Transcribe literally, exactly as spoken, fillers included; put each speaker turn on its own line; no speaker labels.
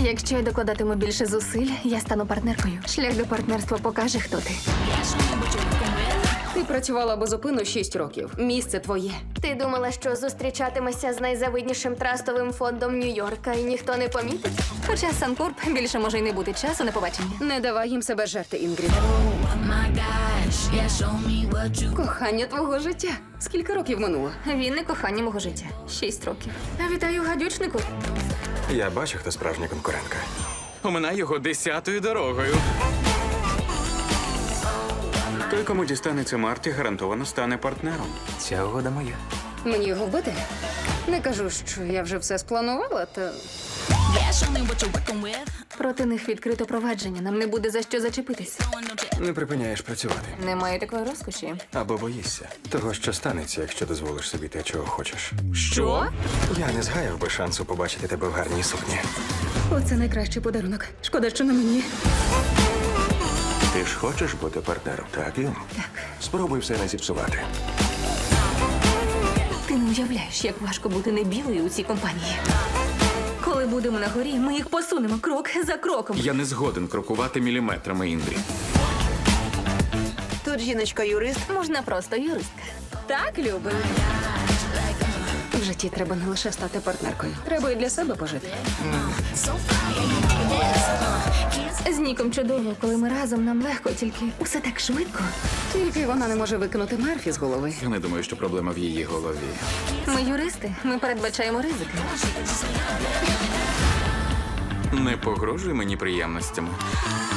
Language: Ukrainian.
Якщо я докладатиму більше зусиль, я стану партнеркою. Шлях до партнерства покаже, хто ти.
Ти працювала безупинно шість років. Місце твоє.
Ти думала, що зустрічатимешся з найзавиднішим трастовим фондом Нью-Йорка і ніхто не помітить? Хоча Санкорп більше може й не бути часу на побачення.
Не давай їм себе жерти, Інгрід. Кохання твого життя. Скільки років минуло?
Він не кохання мого життя. Шість років. Вітаю, гадючнику.
Я бачу, хто справжня конкурентка.
Оминай його десятою дорогою. Той, кому дістанеться Марті, гарантовано стане партнером.
Ця угода моя.
Мені його вбити? Не кажу, що я вже все спланувала, та
Проти них відкрито провадження. Нам не буде за що зачепитись.
Не припиняєш працювати.
Немає такої розкоші.
Або боїшся того, що станеться, якщо дозволиш собі те, чого хочеш.
Що?
Я не згаяв би шансу побачити тебе в гарній сукні.
оце найкращий подарунок. Шкода, що не мені.
Ти ж хочеш бути партнером, так, Юм?
Так.
Спробуй все не зіпсувати.
Ти не уявляєш, як важко бути не білою у цій компанії. Коли будемо на горі, ми їх посунемо крок за кроком.
Я не згоден крокувати міліметрами, Індрі.
Тут жіночка-юрист.
Можна просто юристка.
Так, Люби. В житті треба не лише стати партнеркою. Треба і для себе пожити.
З Ніком чудово, коли ми разом, нам легко, тільки усе так швидко.
Тільки вона не може викинути Мерфі з голови.
Я не думаю, що проблема в її голові.
Ми юристи, ми передбачаємо ризики.
Не погрожуй мені приємностями.